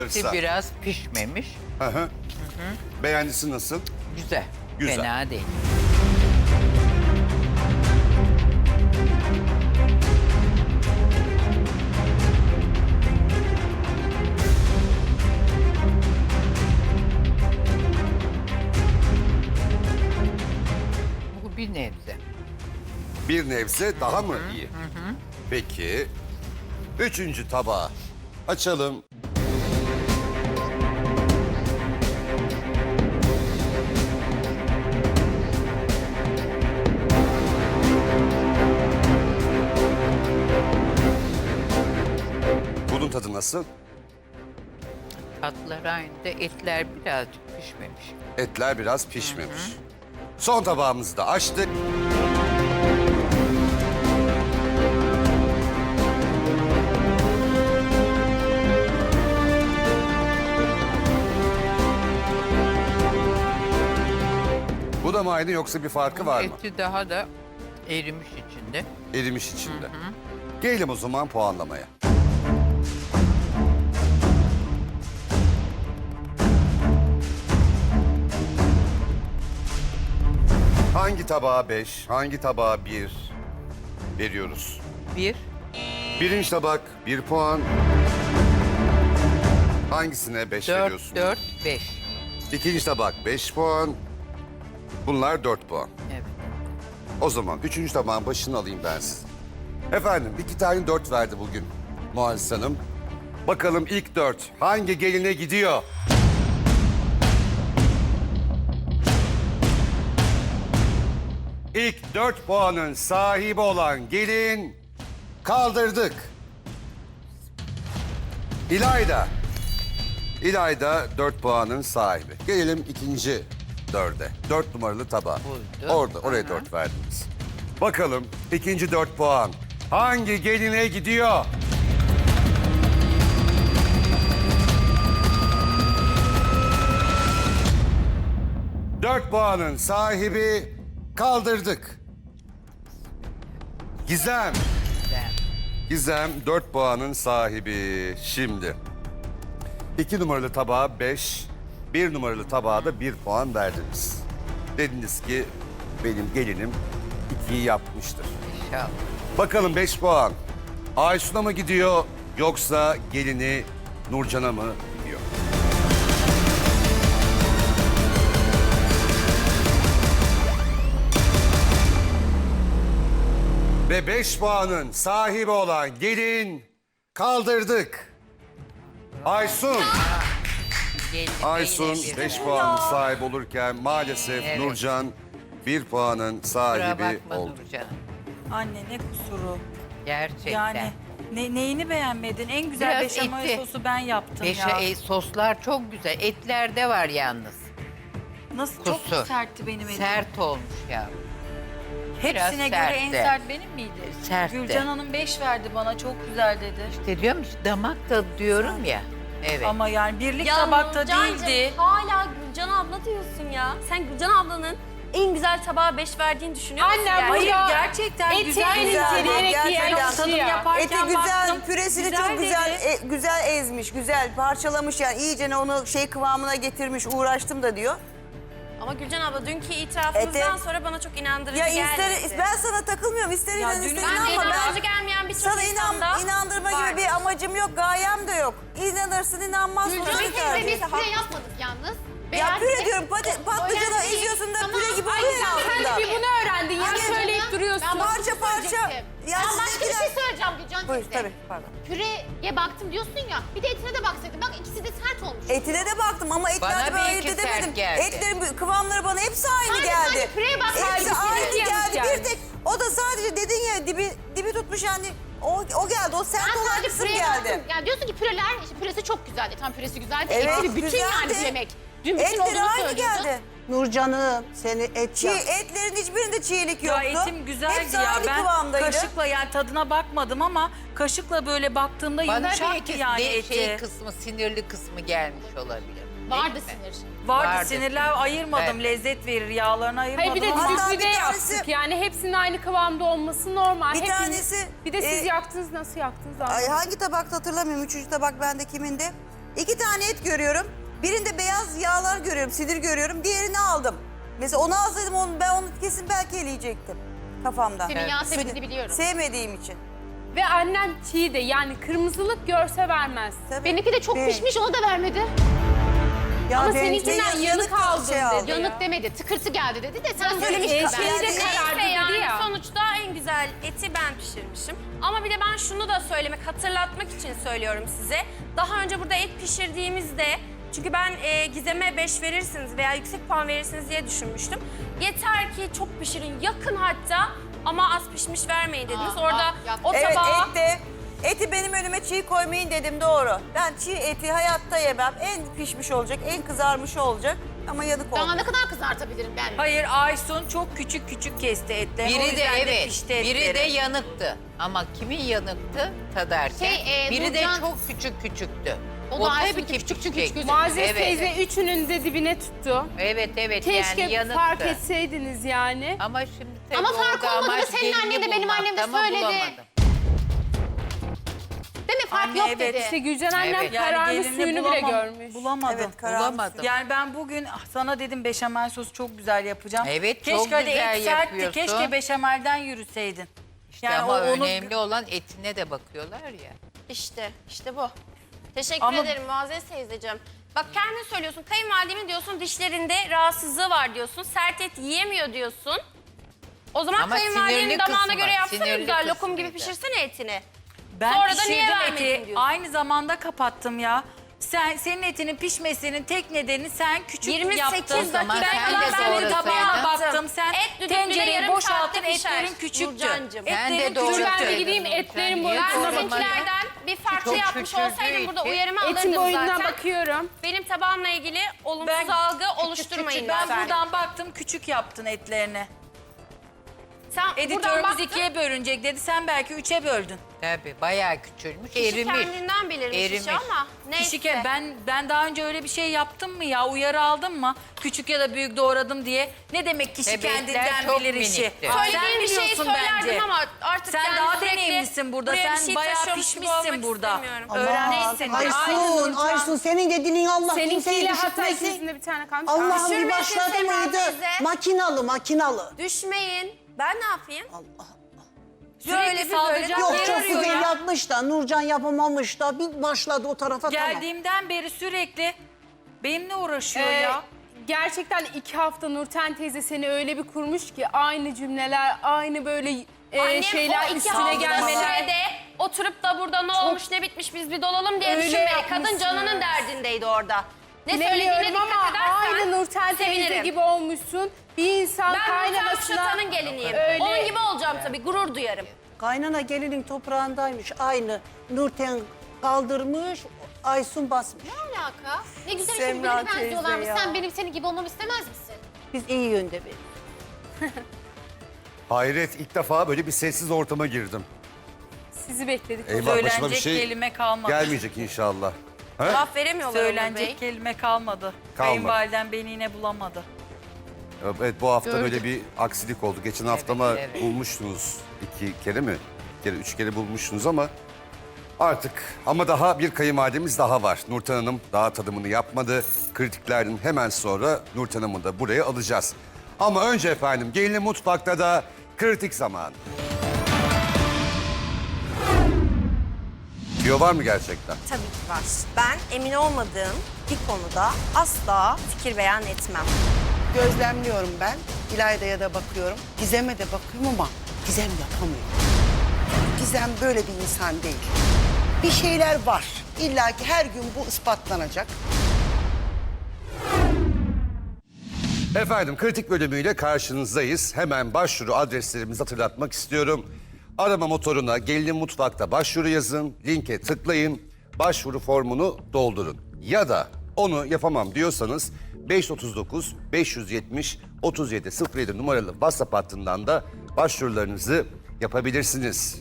Biraz pişmemiş. Hı hı. Beğendisi nasıl? Güzel. Güzel. Fena değil. Bu bir nebze. Bir nebze daha mı iyi? Peki. Üçüncü tabağı açalım. Bunun tadı nasıl? Tatlar aynı da etler birazcık pişmemiş. Etler biraz pişmemiş. Son tabağımızı da açtık. Bu da mı aynı yoksa bir farkı var mı? Eti daha da erimiş içinde. Erimiş içinde. Gelelim o zaman puanlamaya. Hangi tabağa 5, hangi tabağa 1 veriyoruz? Bir, Birinci tabak 1 puan. Hangisine 5 dört, veriyorsun? 4, 5. İkinci tabak 5 puan. Bunlar 4 puan. Evet. O zaman üçüncü tabağın başını alayım ben size. Efendim 2 tane 4 verdi bugün Muazzez Hanım. Bakalım ilk 4 hangi geline gidiyor? İlk 4 puanın sahibi olan gelin kaldırdık. İlayda. İlayda 4 puanın sahibi. Gelelim ikinci 4'e. 4 numaralı tabağa. Buydu. Oraya 4 verdiniz. Bakalım ikinci 4 puan hangi geline gidiyor? Dört puanın sahibi kaldırdık. Gizem. Güzel. Gizem 4 puanın sahibi. Şimdi 2 numaralı tabağa 5, 1 numaralı tabağa da 1 puan verdiniz. Dediniz ki benim gelinim 2'yi yapmıştır. İnşallah. Bakalım 5 puan Aysun'a mı gidiyor yoksa gelini Nurcan'a mı gidiyor? Ve 5 puanın sahibi olan gelin kaldırdık. Aysun. Gelin Aysun yine bir 5 ver. puanın sahibi olurken maalesef Evet. Nurcan 1 puanın Kusura sahibi bakma oldu. Nurcan. Anne ne kusuru. Gerçekten. Yani neyini beğenmedin? En güzel Biraz beşamel etli. sosu ben yaptım ya. Soslar çok güzel. Etlerde var yalnız. Nasıl kusur. çok sertti benim elim. Sert olmuş ya. Hepsine göre sertti. en sert benim miydi? Sertti. Gülcan Hanım 5 verdi bana, çok güzel dedi. İşte diyorum işte damak tadı diyorum ya. Evet. Ama yani birlik Ya tabakta Nurcancığım, değildi. hala Gülcan abla diyorsun ya. Sen Gülcan ablanın en güzel tabağa 5 verdiğini düşünüyor musun? Annem, yani? Hayır Ya, gerçekten eti güzel en güzel. inceleyerek Gerçekten yiyen tadım kişi ya. yaparken Eti güzel, baktım, püresini çok güzel güzel ezmiş, güzel parçalamış yani iyicene onu şey kıvamına getirmiş, uğraştım da diyor. Ama Gülcan abla dünkü itirafımızdan sonra bana çok inandırıcı Ya gelmedi. ben sana takılmıyorum, ister Ya inan dün- ister Ben Ben de inanma inandırıcı ben gelmeyen bir sürü sana insanda inandırma gibi bir amacım yok, gayem de yok. İnanırsın inanmazsın. Gülcan onu teyze tercih. biz püre yapmadık yalnız. Ya püre Beğendik. diyorum patlıcanı Önemli değil. eziyorsun da Tamam. püre gibi Ay, oluyor ya sen aslında. Sen de bir bunu öğrendin ya, Anne, söyleyip Ben duruyorsun. Parça parça. Ya Ben siz başka bir şey ikiler... söyleyeceğim Gülcan Buyur teyze. tabii pardon. Püreye baktım diyorsun ya. Bir de etine de baksaydın. Bak ikisi de sert olmuş. Etine de baktım ama etlerde Bana ben bir ayırt iki sert edemedim. geldi. Etlerin kıvamları bana hepsi aynı Sadece geldi. sadece püreye bak. Hepsi Sadece aynı püreye geldi. yanlış Bir tek o da sadece dedin ya dibi tutmuş yani o geldi. O sert Ben olan sadece kısım püreye geldi. baktım. Yani diyorsun ki püreler, işte püresi çok güzeldi. Tam püresi güzeldi. Evet, Eti bir bütün güzeldi. yani bir yemek. Dün bütün Etleri olduğunu aynı söylüyordu. geldi. Nurcan'ım seni et Çiğ etlerin hiçbirinde çiğlik Ya yoktu. etim güzeldi Hepsi ya. aynı Ben kıvamdaydı. kaşıkla yani tadına bakmadım ama kaşıkla böyle baktığımda Bana bir yumuşaktı iki yani eti. şey kısmı, sinirli kısmı gelmiş olabilir. Vardı Değil mi? sinir. Vardı sinirler ayırmadım. Evet. Lezzet verir, yağlarını ayırmadım Hayır bir de ama. Hatta düdüklüde bir tanesi- yaptık yani hepsinin aynı kıvamda olması normal. Bir Hepiniz- tanesi, Bir de siz yaktınız, nasıl yaktınız Ay, anlamadım. hangi tabakta hatırlamıyorum. Üçüncü tabak bende kimindi? 2 tane et görüyorum. Birinde beyaz yağlar görüyorum, sinir görüyorum. Diğerini aldım. Mesela onu alsaydım ben onu kesin belki eleyecektim kafamdan. Senin yağ sevdiğini biliyorum. Sevmediğim için. Ve annem çiğ de yani kırmızılık görse vermez. Tabii. Benimki de çok Değil. pişmiş, onu da vermedi. Ya Ama benimki seninkinden yanık aldın dedi. aldı. Yanık demedi, tıkırtı geldi dedi de sen Nasıl söylemiştin. bir şeyi de Neyse karardı dedi yani ya. sonuçta en güzel eti ben pişirmişim. Ama bir de ben şunu da hatırlatmak için söylüyorum size. Daha önce burada et pişirdiğimizde, çünkü ben Gizem'e 5 verirsiniz veya yüksek puan verirsiniz diye düşünmüştüm. Yeter ki çok pişirin, yakın hatta ama az pişmiş vermeyin dediniz. Orada o Evet tabağa... eti benim önüme çiğ koymayın dedim, doğru. Ben çiğ eti hayatta yemem. En pişmiş olacak, en kızarmış olacak ama yanık Daha olacak. ne kadar kızartabilirim ben? Hayır, Aysun çok küçük küçük kesti etlerini. O Biri de yüzden evet, pişti biri de etleri. yanıktı. Ama kimin yanıktı tadarken? Biri de Nurcan- çok küçüktü. O da Aysun'unki tabii ki küçük küçük pişecek. gözüküyor. Muazzez Evet. teyze üçünün de dibine tuttu. Evet Keşke yani yanıktı. fark etseydiniz yani. Ama şimdi tabii Ama fark orada olmadı da amaç senin gelini annen de benim annem de bulmakta ama söyledi. bulamadım. Değil mi? Fark Anne, yok evet. dedi. İşte Gülcan annem Evet. kararmış gelini suyunu bile görmüş. Bulamadım. Evet, kararmış. Bulamadım. Yani ben bugün sana dedim beşamel sosu çok güzel yapacağım. Evet, keşke çok hani güzel et sertti, yapıyorsun. keşke beşamelden yürüseydin. İşte ama onu önemli olan etine de bakıyorlar ya. İşte bu. Teşekkür Ama- ederim Muazzez teyzeciğim. Bak kendin söylüyorsun, kayınvalidemin diyorsun dişlerinde rahatsızlığı var diyorsun, sert et yiyemiyor diyorsun. O zaman Ama kayınvalidenin sinirli damağına kısmı, göre yapsana sinirli güzel, lokum gibi kısmıydı. pişirsene etini. Ben Sonra da niye pişirdim vermedin eti. diyorsun. Aynı zamanda kapattım ya. Senin etinin pişmesinin tek nedeni sen küçük 28 yaptın. dakika zaman sen de Ben senin doğrasaydın. tabağına baktım. Sen Et düdüklüde tencereyi yarım boşalttın, saatte pişer. etlerin küçüktü. Nurcancığım. Sen de Etlerin doğru Dur ben de söyledin gideyim Nurcan. etlerin Niye boyutuna sormadın? bakayım. Sizinkilerden bir farklı Çok yapmış şükürdü olsaydım burada eti. uyarımı Etin alırdım boyutuna zaten. bakıyorum. Benim tabağımla ilgili olumsuz algı oluşturmayın Ben lütfen. buradan baktım, küçük yaptın etlerini. Sen buradan Editörümüz baktın. 2'ye bölünecek dedi. Sen belki 3'e böldün. Tabii bayağı küçülmüş, Kişi erimiş. kendinden bilirmiş Erimiş. işi ama neyse. Kişike ben daha önce öyle bir şey yaptım mı ya? Uyarı aldım mı? Küçük ya da büyük doğradım diye. Ne demek kişi Bebekler kendinden çok bilir işi? minikti. Sen Söylediğin bir şeyi biliyorsun söylerdim bence. ama artık Sen yani daha sürekli deneyimlisin burada. buraya bir Sen şey bayağı taşıyormuş gibi pişmişsin olmak burada. istemiyorum. Öğrenmişsin. Aysun, Aysun senin dediğin Allah kimseyi Seninkiyle hatta düşürtmesin. ikisinin de bir tane kalmış. Allah'ım bir Düşürmesin başladı Semra mıydı? teyze. Makinalı. Düşmeyin. Ben ne yapayım? Allah. Sürekli saldıracak Yok yer çok arıyor güzel ya. yapmış da Nurcan yapamamış da bir başladı o tarafa tamam. Geldiğimden beri sürekli benimle uğraşıyor Ee, ya. Gerçekten 2 hafta Nurten teyze seni öyle bir kurmuş ki aynı cümleler, aynı böyle Annem şeyler o 2 üstüne haftalık gelmeler. sürede oturup da burada ne olmuş ne bitmiş biz bir dolalım diye Öyle düşünmedi. Kadın yapmışsın. canının derdindeydi orada. Ne söylediğine Bilemiyorum dikkat ama edersen aynı Nurten teyze sevinirim. gibi olmuşsun. Bir insan Ben Nurten kaynamasına... Kuşatan'ın geliniyim. Öyle. Onun gibi olacağım tabii, gurur duyarım. Kaynana gelinin toprağındaymış aynı. Nurten kaldırmış, Aysun basmış. Ne alaka? Ne güzel Semra işin birbirine teyze benziyorlarmış. ya. Sen benim senin gibi olmamı istemez misin? Biz iyi yönde bir. Hayret, ilk defa böyle bir sessiz ortama girdim. Sizi bekledik. Eyvah, başıma bir Söylenecek şey kelime kalmadı. gelmeyecek inşallah. Ha? Laf veremiyorlar Onur Bey. Söylenecek kelime kalmadı. Kayınvaliden beni yine bulamadı. Evet, bu hafta Gördüm. böyle bir aksilik oldu. Geçen haftama evet. bulmuştunuz 2 kere mi? 3 kere bulmuştunuz ama artık ama daha bir kayınvalidemiz daha var. Nurten Hanım daha tadımını yapmadı. Kritiklerden hemen sonra Nurten Hanım'ı da buraya alacağız. Ama önce efendim gelin mutfakta da kritik zaman. Diyor var mı gerçekten? Tabii ki var. Ben emin olmadığım bir konuda asla fikir beyan etmem. Gözlemliyorum ben. İlayda'ya da bakıyorum. Gizem'e de bakıyorum ama Gizem yapamıyor. Gizem böyle bir insan değil. Bir şeyler var. İlla ki her gün bu ispatlanacak. Efendim kritik bölümüyle karşınızdayız. Hemen başvuru adreslerimizi hatırlatmak istiyorum. Arama motoruna Gelinin Mutfak'ta başvuru yazın, linke tıklayın, başvuru formunu doldurun. Ya da onu yapamam diyorsanız 539 570 3707 numaralı WhatsApp hattından da başvurularınızı yapabilirsiniz.